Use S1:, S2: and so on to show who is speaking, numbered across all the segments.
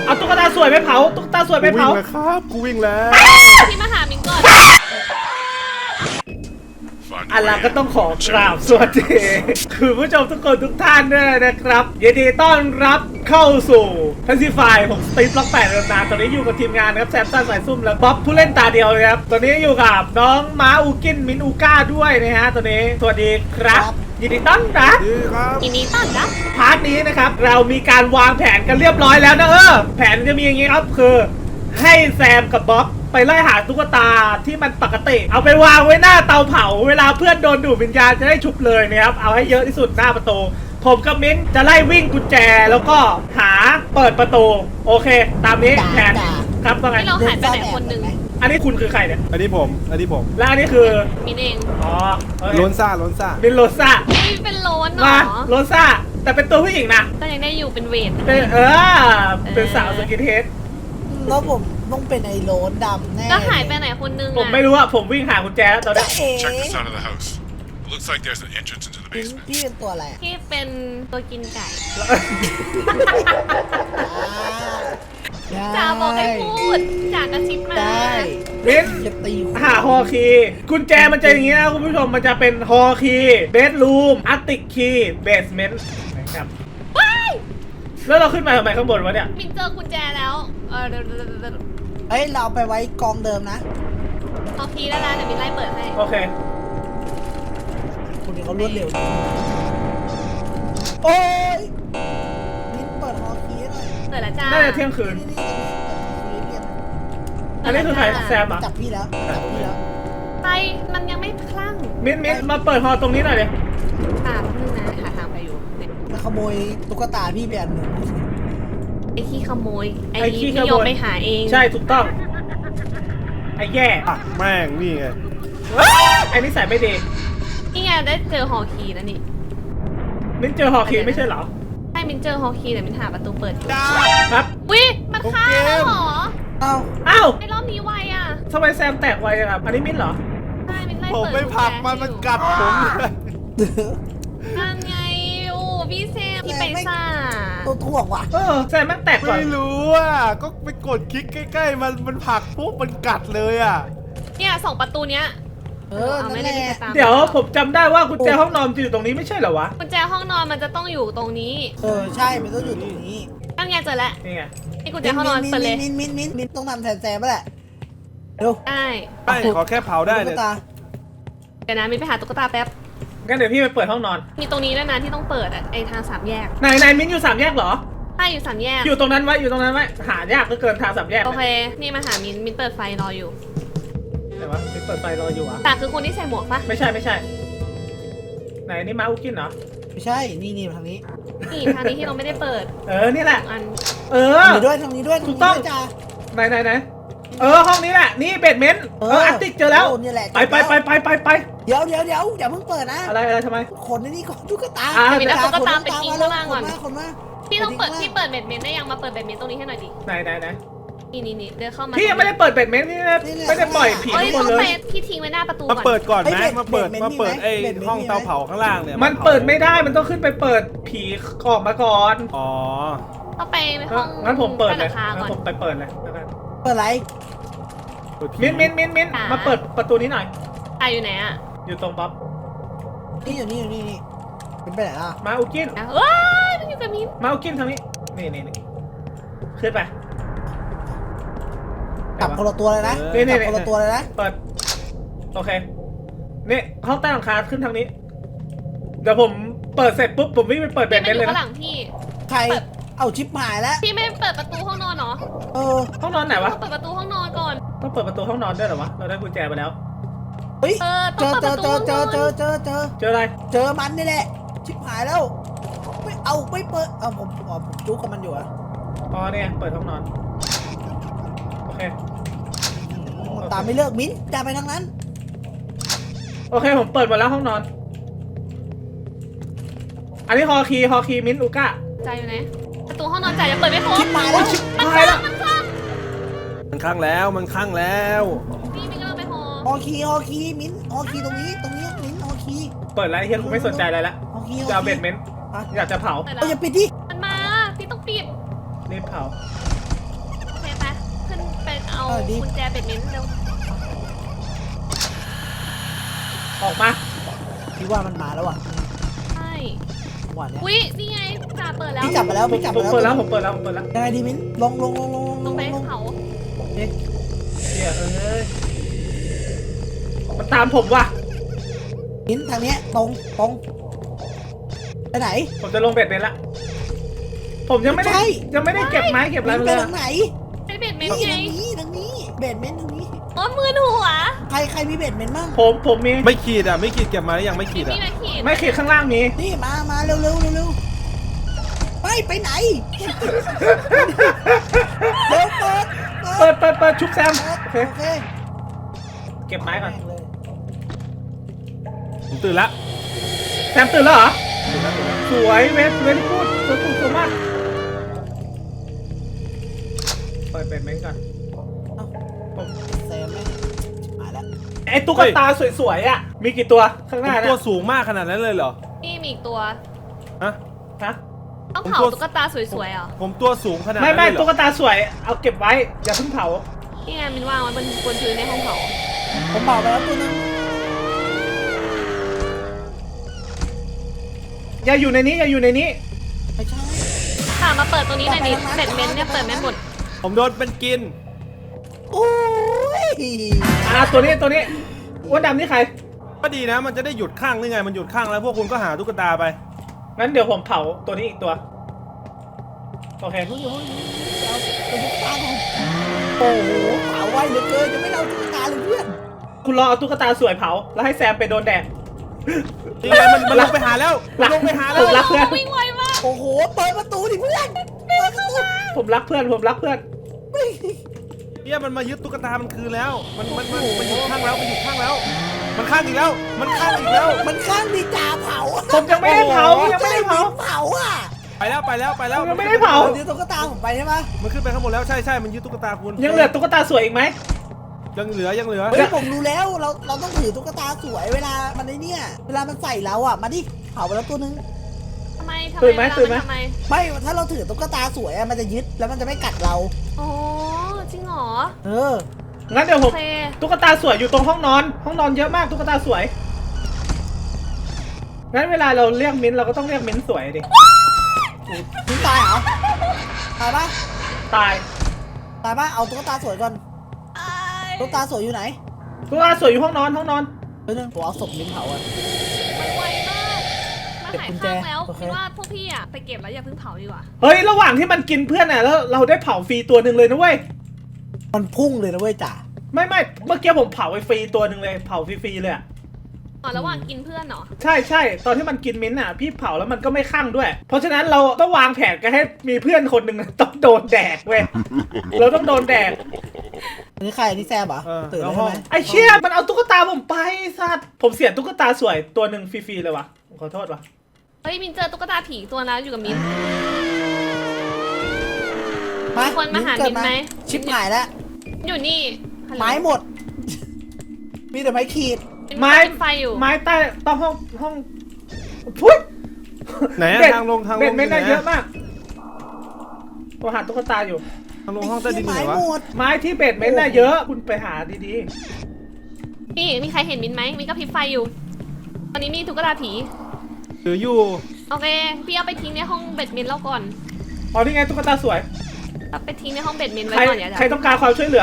S1: เอาตุ๊กตาสวยไปเผาตุ๊กตาสวยไปเผา
S2: กูวิ่งแล้ว
S3: พี่มาหามิงก่อน
S1: อันละก็ต้องขอกราบสวัสดีคือผู้ชมทุกคนทุกท่านด้วยนะครับยินดีต้อนรับเข้าสู่ทันซีไฟของสตีฟล็อก8นานตอนนี้อยู่กับทีมงานนะครับแซมสันสายซุ่มและบ๊อบผู้เล่นตาเดียวนะครับตอนนี้อยู่กับน้องม้าอูกินมินอูก้าด้วยนะฮะตอนนี้สวัสดีครับยินดีต้อนรับ
S2: ดีครับ
S3: ทีนี้ต้อนรับ
S1: พาร์ทนี้นะครับเรามีการวางแผนกันเรียบร้อยแล้วนะแผนจะมีอย่างงี้ครับคือให้แซมกับบ๊อบไปไล่หาตุ๊กตาที่มันปกติเอาไปวางไว้หน้าเตาเผาเวลาเพื่อนโดนดูดวิญญาณจะได้ชุบเลยนะครับเอาให้เยอะที่สุดหน้าประตูผมกับมิ้นจะไล่วิ่งกุญแจแล้วก็หาเปิดประตูโอเคตามนี้แผนครับว่าไง
S3: ที่เราหายไปไหนคนหนึ่ง
S1: อันนี้คุณคือใครเนี่ย
S2: อันนี้ผม
S1: และอันนี้คือ
S3: มินเอง
S1: อ๋อโอเค
S2: ล้นซ่า
S1: มินโรซ่า
S3: นี่เป็นโลนเหร
S1: มา
S3: อ
S1: โรซ่าแต่เป็นตัวผู้หญิงนะ
S3: แต่ยังได้อยู่เป็นเวท
S1: เป็นเป็นสาวสกินเฮด
S4: แล้วผมต้องเป็นไอ้โรนดำแน่
S3: แล้วหายไปไหนคนหนึง
S1: ผมไม่รู้อะผมวิ่งหากุญแจแล้วตอน
S4: จะ
S1: นี้
S4: เอ๋
S5: Check this side of the house. It looks like there's an entrance into the
S4: พี่
S5: basement.
S4: พี่เป็นตัวอะไร
S3: ที่เป็นตัวกินไก่
S4: อ่า
S3: จ่าบอกให้พูดจ่ากระซิบมา
S4: ได้
S1: มิ้น
S4: จะตีหัว
S1: หาฮอคีย์กุญแจมันจะอย่างงี้นะคุณผู้ชมมันจะเป็นฮอคีย์เบดรูมอาร์ติกคีย์เบสเมนต์นะครับ
S3: ว้าย
S1: แล้วเราขึ้นมาทำไมข้างบนวะเนี่ย
S3: มินเจอกุญแจแล้วเดี๋ยว
S4: เอ้ยเราเอาไปไว้กองเดิมนะ
S3: เอาพีแล้วนะเดี๋ยวมินไล่เปิดให้
S1: โอเค
S4: คนนี้เขารวดเร็วโอ้ยมิ้นเปิดฮอคีย์หน่อย
S3: เปิดแล้วจ้า
S1: น่าจะเที่ยงคืน
S4: นี่
S1: อันนี้คือใครแซมเหรอ
S4: จับพี่แล้วจับพี่แล้ว
S3: ไปมันยังไม่คลั่ง
S1: มิ้นมาเปิดฮอตรงนี้หน่อยเลย
S3: ค่ะแป๊บนึงนะหาทางไปอยู่เนี่ย
S4: มาขโมยตุ๊กตาพี่ไปอันหนึ่ง
S3: ไอ้ขี้ขโมยไอ้ที่ยอมไปหาเอง
S1: ใช่ถูกต้องไอ้แย่
S2: อ่ะแม่งนี่ไง
S1: ไอ้นิสัยไม่ดี
S3: นี่ไงได้เจอฮอคีย์แล้วนี่
S1: มิ้นเจอฮอคีย์ไม่ใช่เหรอ
S3: ใช่มินเจอฮอคีย์แต่มินหาประตูเปิดอยู่
S1: ครับ
S3: วิมันฆ่าแล้วเหรอ
S4: เอ้า
S1: อ้าว
S3: ไอ้รอบนี้ไวอ่ะ
S1: ทำไมแซมแตกไวจังครับอันนี้มิ้นเหรอ
S3: ใช่มินไล่
S2: ผม
S3: เปิด
S2: ไม่ผลักมันกัดผม
S3: นั่นไงโอ้พี่เซมพี่ไปซ่า
S4: ตัวถ่วงว่ะ
S1: แซมแม่งแตกก่อน
S2: ไม่รู้อ่ะก็ไปกดคลิกใกล้ๆมันผลักปุ๊บมันกัดเลยอ่ะ
S3: เนี่ยสองประตูเนี้ย
S4: เออนั่น
S3: ไม่
S4: แห
S3: ได้
S4: ละ
S3: ตาม
S1: เดี๋ยวผมจำได้ว่ากุญแจห้องนอนจะอยู่ตรงนี้ไม่ใช่เหรอวะ
S3: กุญแจห้องนอนมันจะต้องอยู่ตรงนี้
S4: ใช่มันต้องอยู่ตรงนี้
S3: นั่นไงเจอแล้ว
S1: นี่ไง
S3: นี่กุญแจห้องนอนเปิดเลย
S4: มิ้นต้องทำแทนแซมแหละเร็ว
S3: ได้
S2: ไม่ขอแค่เผาได้
S4: ตุ๊
S2: เนี่ย
S4: กตา
S3: เดี๋ยวนะมินไปหาตุ๊กตาแป๊บ
S1: งั้นเดี๋ยวพี่ไปเปิดห้องนอน
S3: มีตรงนี้ด้วยนะที่ต้องเปิดอ่ะไอทางสามแยก
S1: ไหนมิ้นอยู่สามแยกเหรอ
S3: ใช่อยู่สามแยก
S1: อยู่ตรงนั้นไว้อยู่ตรงนั้นไว้หายากเหลือเกินทางสามแยก
S3: โอเคนี่มาหามินเปิดไฟรออยู่
S1: ไหนวะมิ้นเปิดไฟรออยู่วะ
S3: แต่คือคนที่ใส่หมวกปะ
S1: ไม่ใช่ ไหนนี่ม้าอุกินเหรอ
S4: ไม่ใช่นี่ทางนี้
S3: นี่ทางนี้ที่เราไม่ได้เปิด
S1: นี่แหละ
S3: อัน
S1: เออ
S4: ทางนี้ด้วยทางนี้ด้วย
S1: ถูกต้อง
S4: จ้า
S1: ไหนห้องนี้แหละนี่เบดเมนต์อาร์ติกเจอแล้ว
S4: นี่แหละ
S1: ไป
S4: เดี๋ยวอย่าเพิ่งเปิดนะ
S1: อะไรทำไม
S4: คนนี่ก่อนตุ๊กตา
S3: มินเอาตุ๊กตาไปทิ้งข้างล่างก่อน
S4: คนมา
S3: พี่ต้องเปิดพี่เปิดเบ็ดเมนได้ยังมาเปิดเบ็ดเมนตรงนี้ให้หน่อยดิ
S1: ไหน
S3: นี่เดินเข้ามา
S1: พี่ยังไม่ได้เปิดเบดเมนต์พี่ไม่ได้ปล่อยผี
S3: เอ้ย
S1: ทุกคน
S3: เข้า
S1: เล
S3: ไป
S1: ย
S3: พี่ทิ้งไว้หน้าประตู
S2: มา
S3: ก่อน
S2: เปิดก่อนไหมมาเปิดไอ้ห้องเตาเผาข้างล่างเนี่ย
S1: มันเปิดไม่ได้มันต้องขึ้นไปเปิดผีออกมาก่อน
S2: อ๋อ
S3: เข้าไปห้อง
S1: งั้นผมเปิดเลย
S3: ราคา
S1: งั้
S3: ก่อน
S1: นผมไปเปิดเลยแล้วกัน
S4: เปิดไร
S1: มิ้นมาเปิดประตูนี้หน่อย
S3: ตายอยู่ไหนอ่ะ
S1: อยู่ตรงป๊อป
S4: นี่อยู่นี่เป็นไปไหนล่ะ
S1: มาอุกิน
S3: เอ้ยมันอยู่กับมิน
S1: มาอุกินทางนี้นี่ขึ้นไป
S4: จับคนละตัวเลยนะ
S1: นี่
S4: จับคนละตัวเลยนะ
S1: เปิดโอเคนี่ห้องใต้หลังคาขึ้นทางนี้เดี๋ยวผมเปิดเสร็จปุ๊บผมวิ่งไปเปิดเบ
S3: พี่
S1: ด
S3: มั
S1: เม
S3: น
S1: น
S3: อ
S1: ต์เลย
S3: ยู่ข้างห
S1: นะ
S3: ลังพี่
S4: ใครเอาชิปหายแล้ว
S3: พี่ไม่เปิดประตูห้องนอนเหรอ
S1: ห้องนอนไหนวะ
S3: เปิดประตูห้องนอนก่อน
S1: ต้องเปิดประตูห้องนอนด้วยเหรอวะเราได้กุญแจไปแล้ว
S4: เฮ้ย
S3: ต้
S4: เจ
S3: อง
S4: อ
S3: เปิด
S4: เจ
S3: ประ
S4: อ
S3: ตู
S4: เจอ
S3: ห้องนอน
S4: เจอ
S1: เจออะไร
S4: เจอมันนี่แหละชิปหายแล้วไม่เปิดผมจุกกับมันอยู่อะ
S1: อ๋อเนี่ยเปิดห้องนอนโอเค
S4: ตามไม่เลิกมิ้นจะไปทางนั้น
S1: โอเคผมเปิดหมดแล้วห้องนอน อันนี้ฮอคีมิ้นอูก้า
S3: ใจอยู่ไหนประตูห้องนอนใจยังเปิดไม่ครบ
S4: ชิปหายแล้ว
S1: ตายแล้ว
S2: มันข้างแล้ว
S3: พี่มินกำลังไปหอ
S4: ฮอคีมิ้นฮอคีตรงนี้มิ้นฮอคี
S1: เปิดแล้วเฮียกูไม่สนใจอะไรละ
S4: ฮอคี
S1: จะเอาเบดเมนต์อยากจะเผา
S3: เปิดแล้
S4: เอา
S3: ว
S4: อย่าปิดดิ
S3: มันมาพี่ต้องปิด
S1: รีบเผา
S3: เอากุญแจเบ็ดเมนต์เร็ว
S1: ออกมา
S4: พี่ว่ามันมาแล้วอ่ะ
S3: ใช่
S4: จังหวะเนี้ย
S3: อุ้ยนี่ไงจ่าเปิดแล้ว
S4: พี่จับมาแล้วพี่จับ
S1: ผม
S4: มาแล้ว
S1: เปิดแล้วผมเปิดแล้วผมเปิดแล้ว
S4: ยังไงดีมิ้นลง
S3: ลงไปเขา
S1: เดี๋ยวมันตามผมว่ะ
S4: มิ้นทางเนี้ยตรงไปไหน
S1: ผมจะลงเบ็ดเบ็ดละผมยังไม่ได้
S4: ไม่ใช่
S1: ยังไม่ได้เก็บไม้เก็บอะไร
S4: มิ้น
S1: มา
S4: ไป
S1: เลย
S4: ทางไหน
S3: ไอเบ็ดเมน
S4: นี่
S3: ต์ไง
S4: ทางนี้เบดเมนต์ทางนี้
S3: อ๋อมือหัว
S4: ใครมีเบดเมนต์บ้าง
S1: ผมมี
S2: ไม่ขีดอ่ะไม่ขีดเก็บมาแล้วยังไม่ขี
S3: มี
S2: ดอ่ะ
S3: พี่มาขีด
S1: ไม่ขีดข้างล่างมี
S4: นี่มาเร็วไปไหนเร็ว
S1: เปิดชุบแซมโอเค
S4: โอเค
S1: เก็บไม้ก่อน
S4: เลย
S2: ผมตื่นละ
S1: แซมตื่นแล้วเหรอสวยเวทพูดสวยมากเปิดเป็นเม้นก่อน
S4: แซมไม่มาแล้ว
S1: ไอ้ตุ๊กตาสวยๆอ่ะมีกี่ตัวข้างห
S2: ผม
S1: น้า
S2: ตั
S1: เนี่
S2: วย สูงมากขนาดนั้นเลยเหรอ
S3: นี่มีอีกตัว
S2: ฮะ
S1: ฮะ
S3: ต้องเผาตุ๊กตาสวยๆเหรอ
S2: ผมตัวสูงขนาดนั้น
S1: ไม่
S2: เลยเหร
S1: ตุ๊
S2: อก
S1: ตาสวยเอาเก็บไว้อย่าเพิ่งเผา
S3: นี่ไงมินวางไว้บนพื้นในห้องเผา
S4: ผมเบาไปแล้วตัวนึง
S1: อย่าอยู่ในนี้อย่าอยู่ในนี้
S4: ไม่ใช่
S3: ค่ะมาเปิดตรงนี้หน่อยดิเบ็ดเมนต์เนี่ยเปิดไม่หมด
S2: ผมโดนเป็นกิน
S4: โอ้ย
S1: ตัวนี้อ้วนดำนี่ใคร
S2: ก็ดีนะมันจะได้หยุดข้างหรือไงมันหยุดข้างแล้วพวกคุณก็หาตุ๊กตาไป
S1: งั้นเดี๋ยวผมเผาตัวนี้อีกตัวโอเค
S4: เอาตุ๊กตาของโอ้โหเผาไวเหลือเกินจะไม่เอาตุ๊กตาเลยเพื่อน
S1: คุณรอเอาตุ๊กตาสวยเผาแล้วให้แซมไปโดนแดด
S2: นี่ไงมันลงไปหาแล้วมันลงไปหาแล้ว
S1: ผมรักเพื่อน
S3: วิ่งไวมาก
S4: โอ้โหเปิดประตูดิเพื่อนเปิดประตู
S1: ผมรักเพื่อน
S2: เนี่ยมันมายึดตุ๊กตามันคืนแล้วมันหยุดข้างแล้วมันหยุดข้างแล้ว มันข้างอีกแล้วมันข้างอีกแล้ว
S4: มันข้างดีจ่าเผา
S1: ผมยังไม่ได้เผายังไม่ได้เผา
S4: เผาอ่ะ
S2: ไปแล้ว
S1: ยังไม่ได้เผา
S4: เดี๋ยวตุ๊กตาผมไปใช่ไหม
S2: มันขึ้นไปข้างบนแล้วใช่มันยึดตุ๊กตาคุณ
S1: ยังเหลือตุ๊กตาสวยอีกไหม
S2: ยังเหลือ
S4: เฮ้ยผมรู้แล้วเราต้องถือตุ๊กตาสวยเวลามันไอ้เนี่ยเวลามันใส่เราอ่ะมาดิเผาไปแล้วตัวนึง
S3: ทำไม
S4: ไม่ถ้าเราถือตุ๊กตาสวยอะมันจะยึดแล้วมันจะไม่กัดเรา
S3: โอ้จริงเหรอ
S4: เออ
S1: งั้นเดี๋ยวผ
S3: โอ
S1: ม
S3: เค
S1: ตุ๊กตาสวยอยู่ตรงห้องนอนเยอะมากตุ๊กตาสวยงั้นเวลาเราเรียกมิ้นเราก็ต้องเรียกมิ้นสวยดิ
S4: ถึงตายเหรอตายปะ
S1: ตาย
S4: ตายปะเอาตุ๊กตาสวยก่อนตุ๊กตาสวยอยู่ไหน
S1: ตุ๊กตาสวยอยู่ห้องนอน
S4: เดี๋ยวนึงผมเอาศพมิ้นเผาอ่ะ
S3: มันไวมากมาหายข้างแล้ว
S4: โอเค
S3: คิดว่าพวกพี่อะไปเก็บแล้วอย่าเพิ่งเผาดีกว่า
S1: เฮ้ยระหว่างที่มันกินเพื่อนน่ะแล้วเราได้เผาฟรีตัวหนึ่งเลยนะเว้ย
S4: มันพุ่งเลยนะเว้ยจ่า
S1: ไม่เมื่อกี้ผมเผาไปฟรีตัวหนึ่งเลยเผาฟรีๆเลยอะ
S3: อ๋อระหว่างกินเพื่อนเหรอ
S1: ใช่ตอนที่มันกินมิ้นท์อ่ะพี่เผาแล้วมันก็ไม่คั่งด้วย เพราะฉะนั้นเราต้องวางแผนกันให้มีเพื่อนคนหนึ่งต้องโดนแดกเว้ยเราต้องโดนแดก
S4: อันนี้ใครอันนี้แซมเหรอตื่นแล้วใช่ไหม
S1: ไอ้เชี่ยมันเอาตุ๊กตาผมไปสัตว์ผมเสียตุ๊กตาสวยตัวหนึ่งฟรีๆเลยวะขอโทษวะ
S3: เฮ้ยมินเจอตุ๊กตาผีตัวนั้นอยู่กับมิน
S4: มา
S3: คนมาหา
S4: เกิด
S3: มิ้นไหม
S4: ชิบหายแล้ว
S3: อยู่นี่ฮัลโหล
S4: ไม้หมด มีแต่ไม้ขีด
S1: ไม้
S3: ไฟอยู่
S1: ไม้ใต้ต้องห้องพุ้ย
S2: ไหนอะ
S1: เบ็ด
S2: ทางลง
S1: เบ็ดไม่ได้
S2: ไหน
S1: เยอะมากผมหาตุ๊กตาอยู่
S2: ทางลงห้องใต้ดินไหน
S4: ไม้
S2: วะ
S4: หมด
S1: ไม้ที่เบ็ดไม่ได้เยอะคุณไปหาดี
S3: นี่มีใครเห็นมินไหมมินก็พริบไฟอยู่ ตอนนี้มีตุ๊กตาผี
S2: หรืออยู่
S3: โอเค พี่เอาไปทิ้งในห้องเบ็ดมินแล้วก่อน
S1: ๆอ๋อนี่ไงตุ๊กตาสวย
S3: เอาไปทิ้งในห้องเบ็ดมินไว้
S1: ใคร
S3: ก่อนอย่า
S1: ใครต้องการความช่วยเหลือ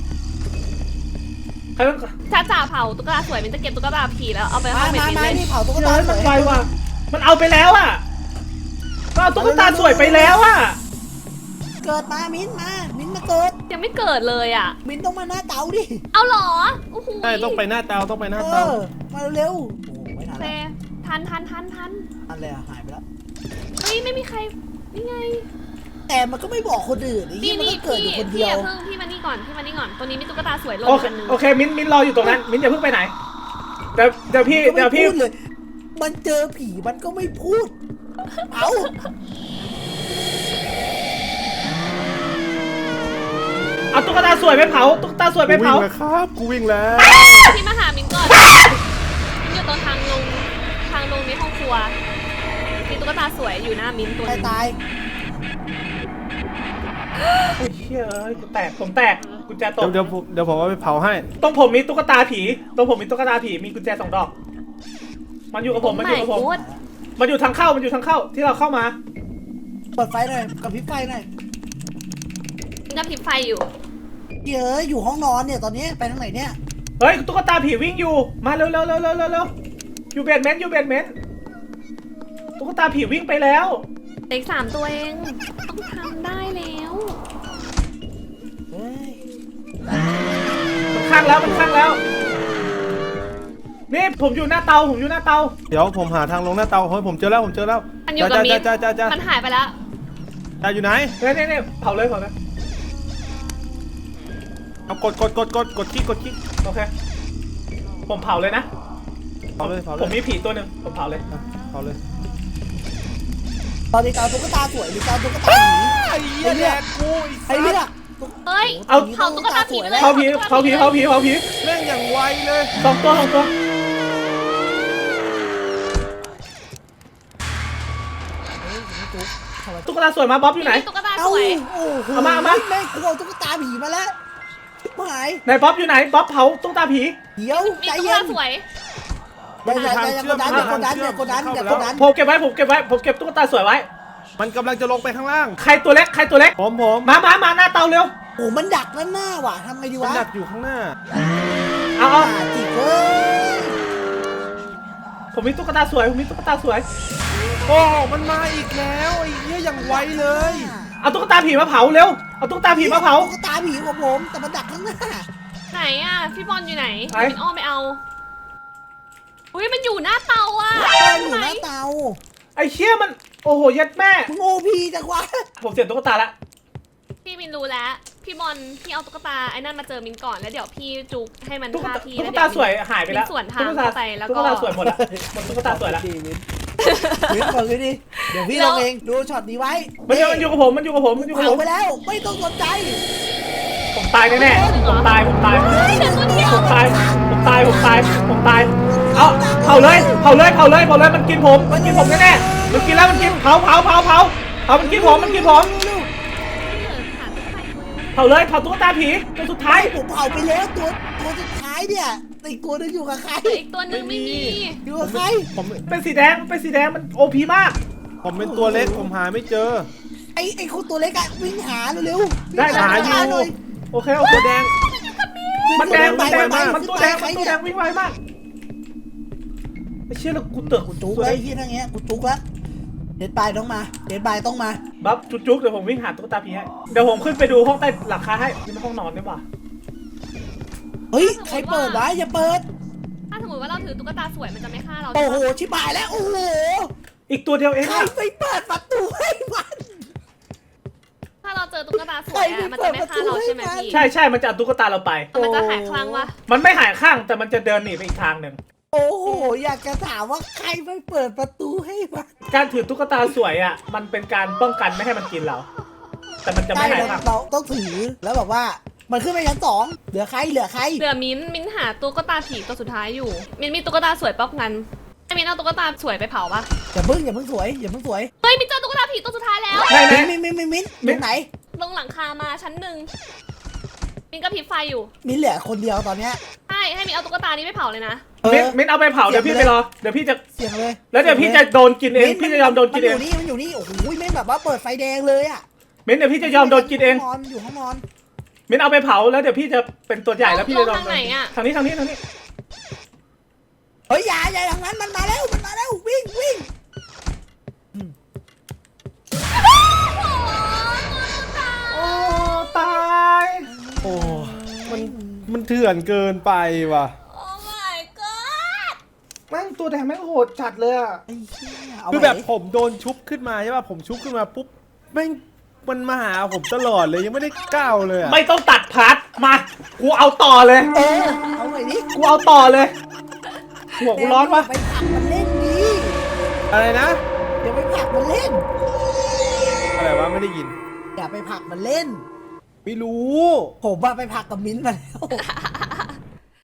S1: ใครต้อง
S3: ถ้าจ่าเผาตุ๊กตาสวยมินจะเก็บตุ๊กตาผีแล้วเอาไปห้
S4: มา
S3: องเบ็ด
S4: มา
S3: มิน
S4: มา
S3: เลย
S4: นี่เผาตุ๊ก
S1: เดี๋ยว
S4: ตา
S1: ให้
S4: ส
S1: มั
S4: วน ย
S1: ไวว่ะมันเอาไปแล้วอ่ะก็เอาตุ๊กตาสวยไปแล้วอ่ะ
S4: เกิดมามิ้นมาเกิด
S3: ยังไม่เกิดเลยอ่ะ
S4: มิ้นต้องมาหน้าเตาดิ
S3: เอาเหรอโอ้โห
S2: ใช่ต้องไปหน้าเตาต้องไปหน้า
S4: เอ
S2: เตา
S4: อมาเร็วๆโอ้ไม่ทั
S3: โอน เค
S4: แล้ว
S3: ทัน
S4: อันเลยอะหายไปแล้ว
S3: เฮ้ยไม่มีใครนี่ไง
S4: แต่มันก็ไม่บอกคนอื่นไอ้
S3: นี่
S4: ที่มัน
S3: นี่
S4: ก็เกิดอยู่คนเดี
S3: พี่
S4: ยว
S3: อย่าเพิ่งพี่มานี่ก่อนตัวนี้มีตุ๊กตาสวยหล่น
S1: โอเค
S3: กันหนึ่ง
S1: โอเคมิ้นรออยู่ตรงนั้นมิ้นอย่าเพิ่งไปไหนเดี๋ยวพี่
S4: มันก็ไม่พูดเลย มันเจอผีมันก็ไม่พูด เอา
S1: เอาตุ๊กตาสวยไปเผาตุ๊กตาสวยไป
S2: กูวิ่
S1: เผาง
S2: แล้วครับกูวิ่งแล้ว
S3: พี่มาหามินก่อนมินอยู่ตรงทางลงในห้องครัวมีตุ๊กตาสวยอยู่หน้ามินตัวห
S4: ใคร
S3: นึง
S4: ตาย
S3: ค
S1: โอ้ยเชี่ยเอ้ยกูแตกผมแตกกุญแจตก
S2: เดี๋ยวผมเอาไปเผาให้
S1: ตรงผมมีตุ๊กตาผีตรงผมมีตุ๊กตาผีมีกุญแจ2 ดอกมันอยู่กับผมมันอยู่กับผม
S3: โอ้ my god
S1: มันอยู่ทางเข้ามันอยู่ทางเข้าที่เราเข้ามา
S4: เปิดไฟหน่อยกับพริบไฟหน่อย
S3: มันกระพริบไฟอยู่
S4: เยอะอยู่ห้องนอนเนี่ยตอนนี้ไปทางไหนเนี่ย
S1: เฮ้ยตุ๊กตาผีวิ่งอยู่มาเร็วอยู่เบสเมนต์อยู่เบสเมนต์ตุ๊กตาผีวิ่งไปแล้ว
S3: เด็ก3 ตัวเองต้องทำได้แล้ว
S4: เฮ้ย
S1: มันข้างแล้วนี่ผมอยู่หน้าเตา
S2: เดี๋ยวผมหาทางลงหน้าเตาเฮ้ยผมเจอแล้ว
S3: มันอยู่กับมิด
S2: จ้า
S3: มันหายไปแล้ว
S2: อยู่ไหน
S1: เนี่ยเผาเลย
S2: เอากดคลิก
S1: โอเคผมเผาเลยนะ
S2: เผาเลย
S1: ผมมีผีตัวหนึ่งผมเผาเลย
S2: เผาเลย
S4: ตอนนี้เตาตุ๊กตาสวยหรือเตาตุ๊กตาหมี
S2: ไอ้เหี้ยแดกกู
S4: ไอ้เลือก
S3: เฮ้ย
S1: เอา
S3: เผาตุ๊กตาผีไปเลย
S1: เผาผี
S2: แม่งอย่างไวเลย
S1: สองตัว ตุ๊กตาสวยมาบ๊อบอยู่ไหน
S3: มีตุ๊กตา
S4: เอ้า
S3: สวย
S4: โอ้โห
S1: เอามา
S4: แม่งกลัวตุ๊กตาผีมาแล้วชิบหาย
S1: ไหนบ๊อบอยู่ไหนบ๊อบเผาตุ๊กตาผี
S4: เดี๋ยว
S3: มี
S4: ใจ
S3: ตุ๊ก
S4: เย็
S3: ตาน สวย
S4: อย่ากดดันอย่ากดดันอย่ากดดัน
S1: ผมเก็บตุ๊กตาสวยไว้
S2: มันกำลังจะลงไปข้างล่าง
S1: ใครตัวเล็ก
S2: ผม
S1: มาหน้าเตาเร็ว
S4: โอ้มันดักด้านหน้าว่ะทำไงดี
S2: มัน
S4: วะ
S2: ดักอยู่ข้างหน้า
S1: เอา
S4: จิกเว้ย
S1: ผมมีตุ๊กตาสวย
S2: โอ้มันมาอีกแล้วไอ้เหี้ยอย่างไวเลย
S1: เอาตุ๊กตาผีมาเผาเร็ว เอาตุ๊กตาผีมาเผา
S4: ตุ๊กตาผีของผมแต่มันดักข้างหน้า
S3: ไหนอ่ะพี่บอลอยู่ไหน
S1: ไหน
S3: มินอ้อมไปเอาอุ้ยมันอยู่หน้าเตาอ่ะ
S4: เต้นอยู่หน้าเตา
S1: ไอ้เชี่ยมันโอ้โหยัดแม่
S4: มึงโอพีจังวะ
S1: ผมเสียตุ๊กตาละ
S3: พี่มินรู้แล้วพี่บอลพี่เอาตุ๊กตาไอ้นั่นมาเจอมินก่อนแล้วเดี๋ยวพี่จุกให้มัน
S1: ตุ๊ก
S3: ฆ่า
S1: ตา
S3: พี่
S1: ตุ๊
S3: แล้
S1: ก
S3: ว
S1: ตา
S3: เดี๋ยว
S1: สวยหายไปแล้ว
S3: มีส่วนทาง
S1: ตุ๊กตา
S3: เข้าไปแล้วก็
S1: ตุ๊กตาสวยหมดละหมดตุ๊กตาสวยละ
S4: วิทย์ก่อนวิทย์ดิเดี๋ยวพี่ลงเองดูช็อตนี้ไว้
S1: มันอยู่กับผม
S4: เผาไปแล้วไม่ต้องสนใจ
S1: ผมตายแน่ๆผมตาย เอาเผาเลยมันกินผมแน่ๆมันกินแล้วมันกินเผามันกินผม เผาเลยเผาตุ๊กตาผีตัวสุดท้าย
S4: ผมเผาไปแล้วตัวสุดท้ายเนี่ยอีกตัวนึงอยู่กับใคร
S3: แต่อีกตัวหนึงไม่มี
S4: อยู่กับใคร
S2: ผม
S1: เป็นสีแดงมันโอพีมาก
S2: ผมเป็นตัวเล็กผมหาไม่เจอ
S4: ไอ้คนตัวเล็กอะวิ่งหาเร็วๆ
S1: ได้
S4: วิ่งหา
S2: หาอยู่
S4: หน่อย
S1: โอเค
S2: ตัวแดง
S1: มันแดง
S4: ไป
S1: มันตัวแดงวิ่งไวมากไอ้เชี่ยแล้วกูเตือก
S4: กูจุกไว้ที่นั่งเงี้ยกูจุกแล้วเดดบายต้องมา
S1: บัฟจุ๊กเดี๋ยวผมวิ่งหาตุ๊กตาผีให้เดี๋ยวผมขึ้นไปดูห้องใต้หลังคาให้นี่มันห้องนอนด้วยว่ะ
S4: เฮ้ยใครเปิดวะอย่าเปิด
S3: ถ้าสมมติว่าเราถือตุ๊กตาสวยมันจะไม่ฆ่าเรา
S4: โอ้
S3: ใช่
S4: โห
S3: ปะ
S4: ชิบหายแล้วโอ้โห
S1: อีกตัวเดียวเอง
S4: ใคร
S1: อะ
S4: ไปเปิดประตูให้มัน
S3: ถ้าเราเจอตุ๊กตาสวยอะมันจะไม่ฆ่าเราใช่ไหมพี่
S1: ใช่มันจะเอาตุ๊กตาเราไป
S3: มันจะหายคลั่งวะ
S1: มันไม่หายข้างแต่มันจะเดินหนีไปอีกทางหนึ่ง
S4: โอ้โหอยากจะถามว่าใครไปเปิดประตูให้มัน
S1: การถือตุ๊กตาสวยอ่ะมันเป็นการป้องกันไม่ให้มันกินเรา แต่มันจะไม่หายข้าง
S4: เราต้องถือแล้วแบบว่ามันขึ้นไปชั้น2เหลือใคร
S3: เหลือมิ้นหาตุ๊กตาผีตัวสุดท้ายอยู่มิ้นมีตุ๊กตาสวยป๊อกงั้นไอ้มิ้นเอาตุ๊กตาสวยไปเผาปะ
S4: อย่าเพิ่งสวย
S3: เฮ้ยมิ้นเจอตุ๊กตาผีตัวสุดท้ายแล้ว
S1: ไหน
S4: มิ้นตรงไหน
S3: ลงหลังคามาชั้น1มิ้นก็พริบไฟอยู่
S4: มิ้นเหลือคนเดียวตอนเนี้ย
S3: ให้มิ้นเอาตุ๊กตานี้ไปเผาเลยนะ
S1: มิ้นเอาไปเผาเดี๋ยวพี่ไปรอเดี๋ยวพี่จะ
S4: เสียงเลย
S1: แล้วเดี๋ยวพี่จะโดนกินเองพี่จะยอมโดนกินเอง
S4: มันอยู่นี่โอ้โหแม่งแบบว่าเปิดไฟแดงเลยอ่ะ
S1: มิ้นเดี๋ยวพี่จะยอมโดนกินเอง
S4: มันอยู่ห้องนอน
S1: มิ้นเอาไปเผาแล้วเดี๋ยวพี่จะเป็นตัวใหญ่แล้วพี่จะโดน
S3: ทางไหนอะ
S1: ทางนี้
S4: เฮ้ยอย่าทางนั้นมันมาแล้ววิ่ง
S1: โอ้ตาย
S2: โอ้มันเถื่อนเกินไปว่ะ
S3: โอ้ my god
S1: แม่งตัวแดงแม่งโหดจัดเลยอ่ะ
S4: ไอ้เหี้ยเอา
S2: คือแบบผมโดนชุบขึ้นมาใช่ป่ะผมชุบขึ้นมาปุ๊บแม่งมันมาหาผมตลอดเลยยังไม่ได้ก้าวเลยอะ
S1: ไม่ต้องตัดพาร์ทมากูเอาต่อเลย
S4: เอาหน่อยดิ
S1: กูเอาต่อเลยหัวกูร้อนปะ
S4: ไปผลักมันเล่นดิ
S2: อะไรนะ
S4: อย่าไปผลักมันเล่น
S2: อะไรวะไม่ได้ยิน
S4: อย่าไปผลักมันเล่น
S2: ไม่รู้
S4: ผมว่าไปผลักกับมิ้นท์มาแล้ว